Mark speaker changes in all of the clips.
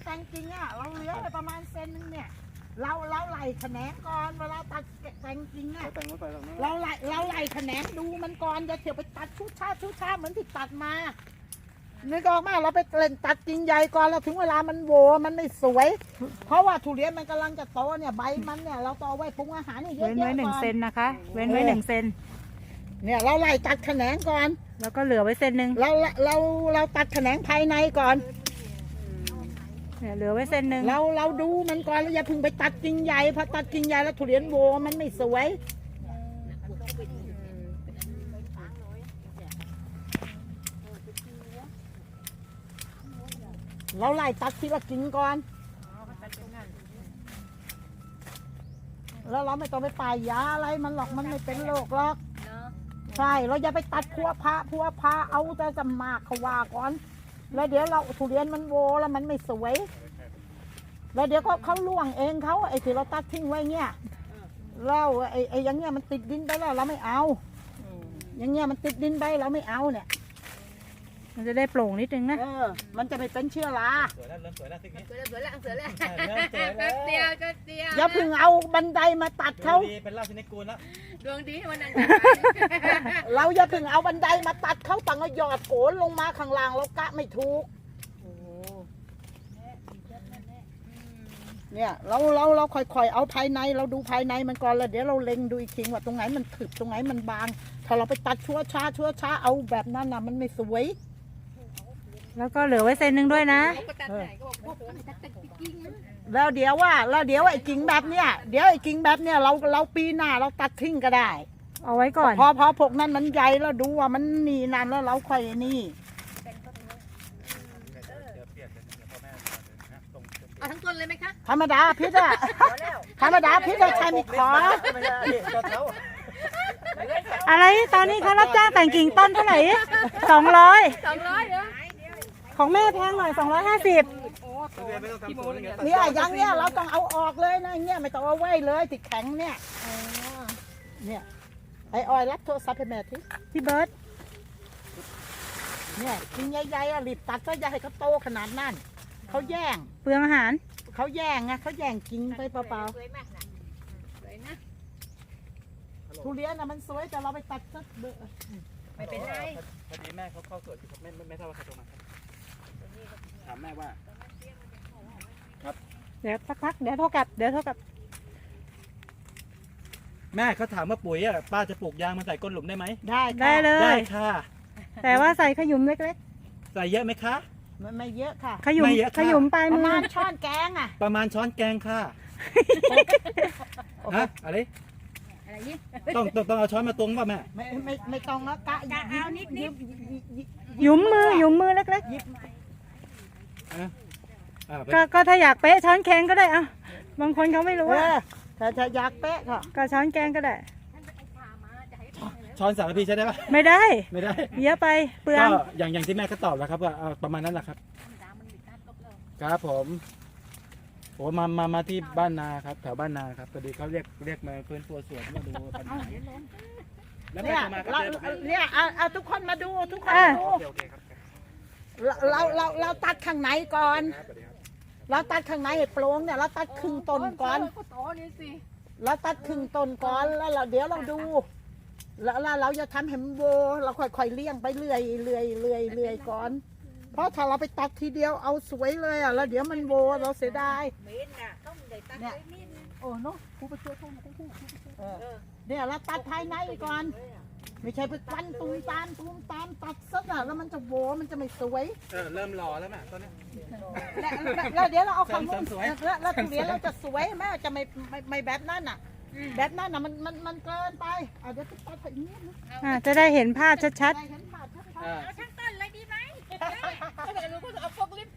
Speaker 1: แต่งจริงอ่ะเราเหลือไปประมาณเซนนึงเนี่ยเราไหล่แขนงก่อนเวลาตัดแต่งจริงอ่ะเราไหล่แขนงดูมันก่อนอย่าเถียวไปตัดชุดชาเหมือนที่ตัดมานึกออกมาเราไปเล่นตัดจริงใหญ่ก่อนแล้วถึงเวลามันโวมันไม่สวยเพราะว่าทุเรียนมันกำลังจะโตเนี่ยใบมันเนี่ยเราต่อไว้ปรุงอาหารนี่เยอะๆก่อน
Speaker 2: เว้นไว้1 เซนนะคะเว้นไว้1 เซน
Speaker 1: เนี่ยเราไล่ตัดแขนงก่อน
Speaker 2: แล้วก็เหลือไว้เซนนึง
Speaker 1: เราตัดแขนงภายในก่อน
Speaker 2: เนี่ยเหลือไว้เซนนึง
Speaker 1: เราดูมันก่อนแล้วอย่าเพิ่งไปตัดกิ่งใหญ่พอตัดกิ่งใหญ่แล้วทุเรียนโวมันไม่สวยเราไล่ตัดทีละกิ่งก่อนแล้วเราไม่ต้องไปป่ายยาอะไรมันหรอกมันไม่เป็นโรคหรอกใช่เราอย่าไปตัดพัวพาเอาแต่จะมากเขาว่าก่อนแล้วเดี๋ยวเราทุเรียนมันโวแล้วมันไม่สวยแล้วเดี๋ยวเขาล่วงเองเขาไอ้ที่เราตัดทิ้งไว้เงี้ยแล้วไอ้อย่างเงี้ยมันติดดินไปแล้วเราไม่เอาอย่างเงี้ยมันติดดินไปเราไม่เอาเนี่ย
Speaker 2: มันจะได้โปร่งนิดนึงนะ
Speaker 1: มันจะไม่เป็นเชื้อรา
Speaker 3: สวยแล้วเริ่มสวยแล้วทีนี้
Speaker 4: สวยแล้วเดียว
Speaker 1: อย่าเพิ่งเอาบันไดมาตัดเขา
Speaker 3: เป็นราชนิกูลแล้ว
Speaker 4: ดวงดีวันนั้น
Speaker 1: เราอย่าเพิ่งเอาบันไดมาตัดเขาต่างก็หยอดโขนลงมาข้างล่างเรากะไม่ถูกเนี่ยเราค่อยๆเอาภายในเราดูภายในมันก่อนแล้วเดี๋ยวเราเล็งดูอีกทีว่าตรงไหนมันถึกตรงไหนมันบางถ้าเราไปตัดชั่วช้าเอาแบบนั้นน่ะมันไม่สวย
Speaker 2: แล้วก็เหลือไว้เซนนึงด้วยนะ
Speaker 1: แล้วเดี๋ยวไอ้กิ่งแบบเนี้ยเราปีหน้าเราตัดทิ้งก็ได้
Speaker 2: เอาไว้ก่อน
Speaker 1: พอพวกนั้นมันใหญ่แล้วดูว่ามันนี่นั่นแล้วเราค่อยนี่
Speaker 4: เอาทั้งต้นเลยไหมคะ
Speaker 1: ธรรมดาพิษอะธรรมดาพิษอะใช่ไม่ขอ
Speaker 2: อะไรตอนนี้เขารับจ้างแต่งกิ่งต้นเท่าไหร่200
Speaker 4: เหรอ
Speaker 2: ของแม่แพงหน่อย250
Speaker 1: เนี่ยอย่างเนี้ยเราต้องเอาออกเลยนะเนี่ยไม่ต้องเอาไว้เลยติดแข็งเนี่ยเนี่ยไอ้ออยรับโทรศัพท์ให้แม่ที
Speaker 2: พี่เบิร์ต
Speaker 1: เนี่ยกิ่งใหญ่ๆอะรีบตัดซะอย่าให้เขาโตขนาดนั้นเขาแย่ง
Speaker 2: เปลืองอาหาร
Speaker 1: เขาแย่งไงเขาแย่งกิ่งไปเปล่าๆทุเรียนนะมันสวยแต่เราไปตัดสักเบอร์
Speaker 4: ไม่เป็นไร
Speaker 3: พอดีแม่เขาเข้าสวนครับไม่ทราบว่าใครโทรมาครับถามแม่ว่าครับ
Speaker 2: เดี๋ยวสักพักเดี๋ยวโทรกลับ
Speaker 3: แม่เขาถามว่าปุ๋ยอ่ะป้าจะปลูกยางมาใส่ก้นหลุมได้ไหม
Speaker 2: ได้เลย
Speaker 3: ได้ค่ะ
Speaker 2: แต่ว่าใส่ขยุมเล็ก
Speaker 3: ๆใส่เยอะไหมคะ
Speaker 1: ไม่เยอะค่ะ
Speaker 2: ขยุมปลายมือ
Speaker 1: ประมาณช้อนแกงอะ
Speaker 3: ประมาณช้อนแกงค่ะฮะอะไรต้องเอาช้อนมาตรงป่ะแม่
Speaker 1: ไม่ต้องนะกะ
Speaker 4: เอานิด
Speaker 2: ยุมมือเล็กๆก็ถ้าอยากเป๊ะช้อนแกงก็ได้อ่ะบางคนเขาไม่รู้
Speaker 1: ถ้าอยากเป๊ะ
Speaker 2: ก็ช้อนแกงก็ได้
Speaker 3: ช้อนสารพีใช้ได้ปะ
Speaker 2: ไม่ได้เยอะไปเปลือง
Speaker 3: ก็อย่างที่แม่ก็ตอบแล้วครับว่าประมาณนั้นแหละครับครับผมโอ้มาที่บ้านนาครับแถวบ้านนาครับพอดีเขาเรียกมาเพื่อนตัวสวนมาดูปัญหาแล้ว
Speaker 1: เนี่ยเอาทุกคนมาดูทุกคนดูเราตัดข้างในก่อนเราตัดข้างในให้โปร่งเนี่ยเราตัดครึ่งต้นก่อนเราตัดครึ่งต้นก่อนแล้วเดี๋ยวเราดูแล้วเราจะทำให้มันโวเราค่อยๆเลี้ยงไปเรื่อยก่อนเพราะถ้าเราไปตัดทีเดียวเอาสวยเลยอ่ะแล้วเดี๋ยวมันโวเราเสียดายเนี่ยโอ้เนาะครูไปช่วยเขาเนี่ยเราตัดภายในก่อนไม่ใช่ไปควันตูมตามตัดซะอ่ะแล้วมันจะโวมันจะไม่สวย
Speaker 3: เริ่มรอแล้วแม่ตอนนี้
Speaker 1: แล้วเดี๋ยวเราเอาของสวยแล้วทุเรียนเราจะสวยแม่จะไม่แบบนั้นอ่ะแบบนั้นน่ะมันเกินไปเดี๋ยวตัดอย่างนี้
Speaker 2: จะได้เห็นภาพชัดๆ
Speaker 4: เอาทั้งต้นเลยดีไหมก็จะรู้ก็เอาพวกลิฟต์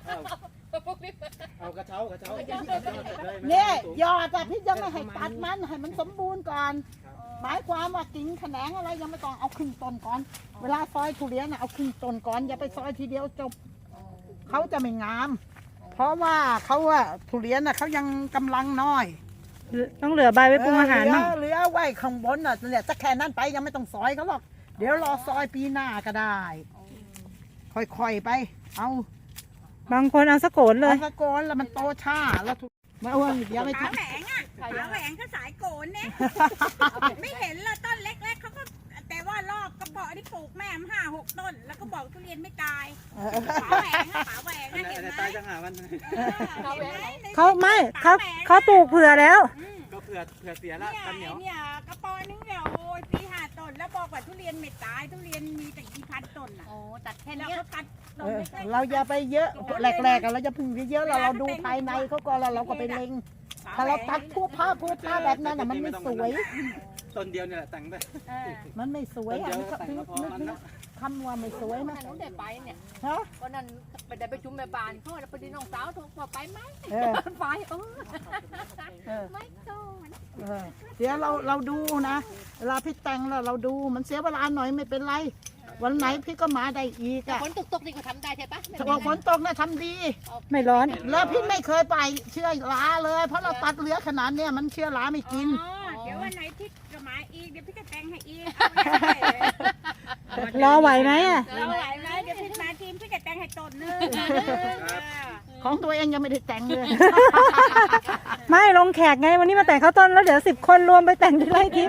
Speaker 3: เอากระเช้า
Speaker 1: เนี่ยยอดพี่ยังไม่ให้ตัดมันให้มันสมบูรณ์ก่อนหมายความว่ากิ่งแขนงอะไรยังไม่ต้องเอาครึ่งต้นก่อนเวลาซอยทุเรียนเอาครึ่งต้นก่อนอย่าไปซอยทีเดียวจบเขาจะไม่งามเพราะว่าเขาทุเรียนเขายังกำลังน้อย
Speaker 2: ต้องเหลือใบไว้ปรุงอาหารมั้ง
Speaker 1: เหลือไว้ข้างบนเนี่ยจะแค่นั้นไปยังไม่ต้องซอยเขาหรอกเดี๋ยวรอซอยปีหน้าก็ได้ค่อยๆไปเอา
Speaker 2: บางคนเอาสะโกนเลย
Speaker 1: ตะโกนแล้วมันโตช้าแล้วทุมาอ้วนอย่าไป
Speaker 4: ฝา
Speaker 1: ทำ
Speaker 4: แหวงอ่ะฝาแหวงก็สายโกนเนี่ยไม่เห็นละต้นเล็กๆเขาก็แต่ว่ารอบกระบอกที่ปลูกแม่มัน5-6 ต้น แล้วก็บอกทุเรียนไม่ตายฝาแหวงอะฝาแหวงอะเห็นไหม
Speaker 3: ตายจังหามัน
Speaker 2: เขาไม่เขาปลูกเผื่อแล้ว
Speaker 3: ก็เผื่อเสียละกันเหนียว
Speaker 4: เนี่ยกระปอนึงเนี่ยโอ้ยปี5 ต้นแล้วบอกว่าทุเรียนไม่ตายทุเรียนมีแต่กี่พันต้นอ่ะโอ้ตัดแค่นี้เขาตัดต้นเล็กๆ
Speaker 1: เราอย่าไปเยอะแรกๆเราจะพึ่งเยอะเราดูภายในเขาก่อนแล้วเราก็ไปเล็งถ้าเราตัดพวกผ้าแบบนั้นมันไม่สวย
Speaker 3: ต้นเดียวเนี่ยแหละแต่งไป
Speaker 1: มันไม่สวย
Speaker 3: ต้นเดียว
Speaker 1: นึก
Speaker 3: แต่งก็พอมันแล้ว
Speaker 1: คำว่าไม่สวยไหม
Speaker 4: หนูได้ไปเนี่ย
Speaker 1: ฮะ
Speaker 4: วันนั้นไปได้ประชุมแม่บ้านเขาแล้วพอดีน้องสาวโทรมาไปไหม
Speaker 1: เออ
Speaker 4: ไป
Speaker 1: เออ
Speaker 4: ไม่ก่อน
Speaker 1: เดี๋ยวเราดูนะเวลาพี่แต่งแล้วเราดูมันเสียเวลาหน่อยไม่เป็นไร วันไหนพี่ก็มาได้อีกอะ
Speaker 4: ฝนตกนี่ก็ทำได้ใช่ปะ
Speaker 1: ถ้าว่าฝนตกนะทำดี
Speaker 2: ไม่ร้อน
Speaker 1: แล้วพี่ไม่เคยไปเชื่อราเลย เพราะเราตัดเหลือขนาดเนี้ยมันเชื่อราไม่กิน
Speaker 4: เดี๋ยววันไหนที่จะมาอีกเดี๋ยวพี่จะแต่งให้อีก
Speaker 2: รอไหวไหมอ่ะ
Speaker 4: เราไหวไหมเดี๋ยวพี่มาทีมพี่จะแต่งให้ต้นนึง
Speaker 1: ของตัวเองยังไม่ได้แต่งเลย
Speaker 2: ไม่ลงแขกไงวันนี้มาแต่งข้าวต้นแล้วเดี๋ยว10 คนรวมไปแต่งที่ไร่ทิพย์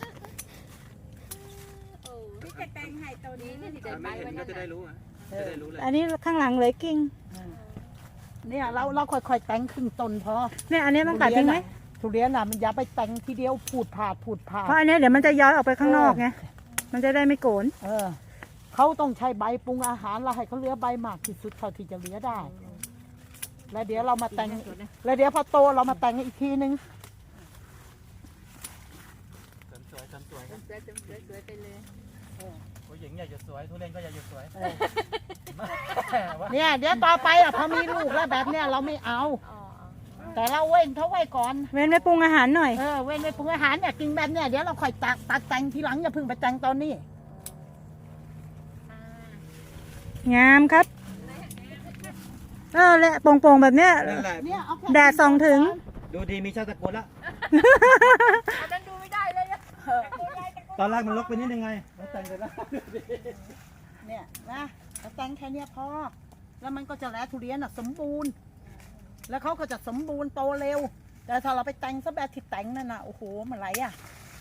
Speaker 4: พี่จะแต่งให้ตัวนี้ที่จะไป
Speaker 3: ไม่เห็
Speaker 4: วัน น
Speaker 3: ก็
Speaker 4: นั้น
Speaker 3: จะได้รู้จะได้รู้เลย
Speaker 2: อันนี้ข้างหลังเหลยกิ่ง
Speaker 1: เนี่ยเราค่อยๆแต่งครึ่งต้นพอ
Speaker 2: เนี่ยอันนี้ต้องตัดทิ้งไหม
Speaker 1: ทุเรียนน่ะมันอย่าไปแต่งทีเดียวพูดผาด
Speaker 2: เพราะอันนี้เดี๋ยวมันจะย้อยออกไปข้างนอกไงมันจะได้ไม่โกน
Speaker 1: เขาต้องใช้ใบปรุงอาหารเราให้เขาเหลือใบมากที่สุดเท่าที่จะเหลือได้ แล้วเดี๋ยวเรามาแต่งแล้วเดี๋ยวพอโตเรามาแต่งอีกทีนึง
Speaker 3: สวยสวย
Speaker 4: สวยไปเลย
Speaker 3: ผู้หญิงอยากจะสวยทุเรียนก็อยากจะสวย
Speaker 1: เนี่ยเดี๋ยวต่อไปอ่ะพอมีลูกแล้วแบบเนี้ยเราไม่เอา แต่เราเว้นเขาไว้ก่อน
Speaker 2: เว้นไว้ปรุงอาหารหน่อย
Speaker 1: เว้นไว้ปรุงอาหารเนี่ยกินแบบเนี้ยเดี๋ยวเราค่อยตัดแต่งทีหลังอย่าเพิ่งไปแต่งตอนนี้
Speaker 2: งามครับแหละโป่งๆแบบเนี้ย
Speaker 3: นั่นแหละ
Speaker 1: เนี่ยเอาค่
Speaker 2: แดดส่องถึง
Speaker 3: ดูดีมีชาติตะโกนละ
Speaker 4: อันนั้นดูไม่ได้เลยอะ
Speaker 3: ตอนแรกมันลกไปนิดนึงไงแล้วแต่งเสร็จแล้ว
Speaker 1: เนี่ยนะเราแต่งแค่เนี้ยพอ แล้วมันก็จะแล้วทุเรียนอ่ะสมบูรณ์ แล้วเขาก็จะสมบูรณ์โตเร็ว แต่ถ้าเราไปแต่งซะแบบที่แต่งนั่นน่ะโอ้โหมันไรอ่ะ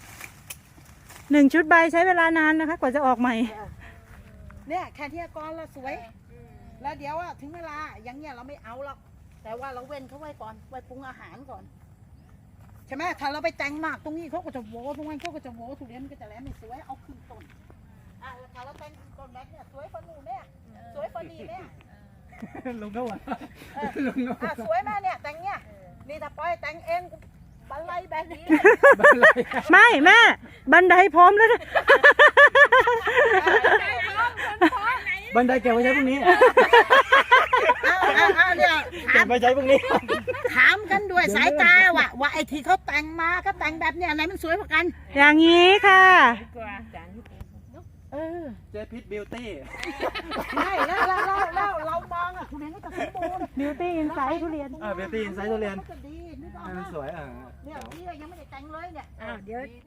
Speaker 2: 1 ชุดใบใช้เวลานานนะคะ กว่าจะออกใหม่
Speaker 1: เนี่ยแค่เนี้ยก่อนละสวย แล้วเดี๋ยวอ่ะถึงเวลาอย่างเงี้ยเราไม่เอาหรอกแต่ว่าเราเว้นเขาไว้ก่อนไว้ปรุงอาหารก่อนใช่ไหมถ้าเราไปแต่งมากตรงนี้เขาก็จะโว้ตรงนั้นเขาก็จะโว้ทุเรียนมันก็จะแล้วไม่สวยเอาขึ้นต้นแล้วถ้าเราแต่งขึ้นต้นแบบเนี้ยสวยฟันนูนเนี่ยสวยฟันนี่เนี่ย
Speaker 3: ลงก็หวานลงก็หวาน
Speaker 1: สวยมากเนี่ยแต่งเนี่ยนี่ถ้าปล่อยแต่งเองบันไลแบบนี้
Speaker 2: ไม่แม่บันไดพร้อมแล้วนะ
Speaker 3: บันไดเก็บไว้ใช้พรุ่งนี้
Speaker 1: เนี่ย
Speaker 3: เก็บไว้ใช้พรุ่งนี้
Speaker 1: ถามกันด้วยสายตาว่าไอ้ที่เขาแต่งมาก็แต่งแบบเนี้ยไหนมันสวยกว่ากัน
Speaker 2: อย่างนี้ค่ะ
Speaker 3: เจพิทบิวตี้
Speaker 1: ใช่แล้วเรามองอ่ะทุเรียนก็จะสมบูรณ์
Speaker 2: บิวตี้อินไซต์ทุเรียน
Speaker 3: บิวตี้อินไซต์ทุเรียน
Speaker 1: ก็จะดีนึกออก
Speaker 3: ให้
Speaker 1: ไหม
Speaker 3: มันสวย
Speaker 1: เนี่ยพี่ก็ยังไม่ได้แต่งเลยเนี่ย
Speaker 4: เดี๋ยว